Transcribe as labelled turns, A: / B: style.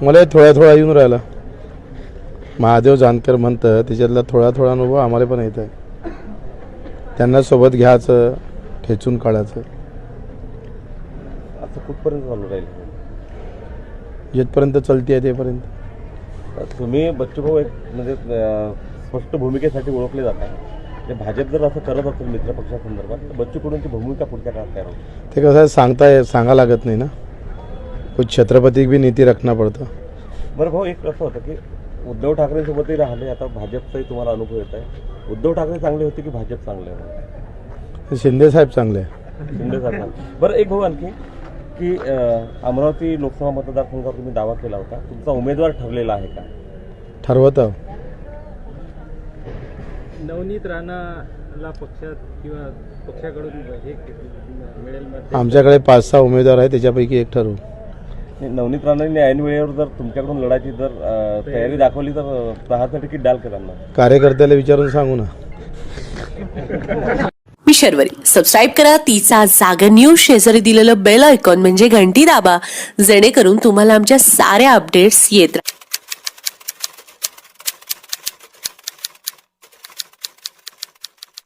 A: मला थोडा थोडा येऊन राहिला. महादेव जानकर म्हणतं त्याच्यातला थोडा थोडा अनुभव आम्हाला पण येत आहे. त्यांना सोबत घ्यायचं, ठेचून काढायचं.
B: असं कुठपर्यंत चालू राहील?
A: जिथपर्यंत चलती आहे तेपर्यंत.
B: तुम्ही बच्चूभाऊ एक म्हणजे स्पष्ट भूमिकेसाठी ओळखले जात आहे. ते भाजप जर असं करत असेल मित्रपक्षासंदर्भात तर बच्चू कडूंची भूमिका पुढच्या काळात काय होईल?
A: ते कसं आहे सांगा लागत नाही ना. कुछ छत्रपती भी नीती रखना पडतं.
B: बरं भाऊ, एक असं होतं की उद्धव ठाकरेंसोबतही राहिले, आता भाजपचाही तुम्हाला अनुभव येत आहे. उद्धव ठाकरे चांगले होते की भाजप चांगले होते?
A: शिंदे साहेब चांगले आहे.
B: शिंदे साहेब. बरं, एक भाऊ आणखी की अमरावती लोकसभा मतदारसंघावर तुम्ही दावा केला होता, तुमचा उमेदवार ठरलेला आहे का?
A: ठरवत आहो.
C: नवनीत राणाला पक्षात किंवा पक्षाकडून हे मिळेल?
A: आमच्याकडे 5-6 उमेदवार आहेत, त्याच्यापैकी एक ठरवू.
B: नवनीत राणांनी ऐन वेळेवर जर तुमच्याकडून लढायची जर तयारी दाखवली तर 10चं तिकीट द्याल का त्यांना?
A: कार्यकर्त्याला विचारून सांगू ना.
D: मी शर्वरी. सबस्क्राईब करा तिचा जागर न्यूज. शेजारी दिलेलं बेल आयकॉन म्हणजे घंटी दाबा, जेणेकरून तुम्हाला आमच्या साऱ्या अपडेट्स येत राहतील.